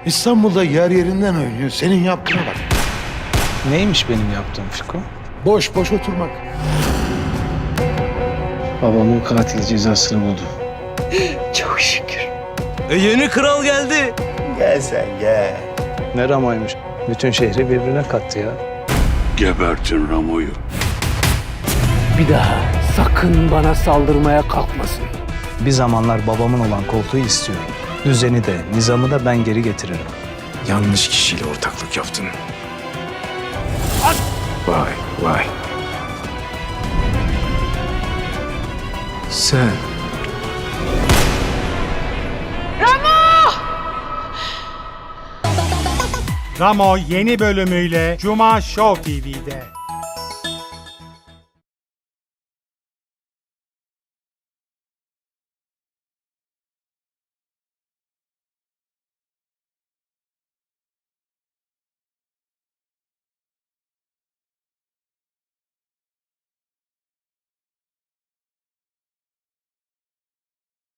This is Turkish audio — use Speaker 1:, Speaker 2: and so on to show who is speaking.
Speaker 1: İstanbul'da yer yerinden oynuyor. Senin yaptığına bak.
Speaker 2: Neymiş benim yaptığım Fiko?
Speaker 1: Boş boş oturmak.
Speaker 2: Babamın katili cezasını buldu.
Speaker 3: Çok şükür.
Speaker 4: Yeni kral geldi.
Speaker 1: Gel sen gel.
Speaker 2: Ne Ramo'ymuş. Bütün şehri birbirine kattı ya.
Speaker 5: Gebertin Ramo'yu.
Speaker 3: Bir daha sakın bana saldırmaya kalkmasın.
Speaker 2: Bir zamanlar babamın olan koltuğu istiyorum. Düzeni de, nizamı da ben geri getiririm.
Speaker 6: Yanlış kişiyle ortaklık yaptın. Vay vay. Sen
Speaker 7: Ramo yeni bölümüyle Cuma Show TV'de.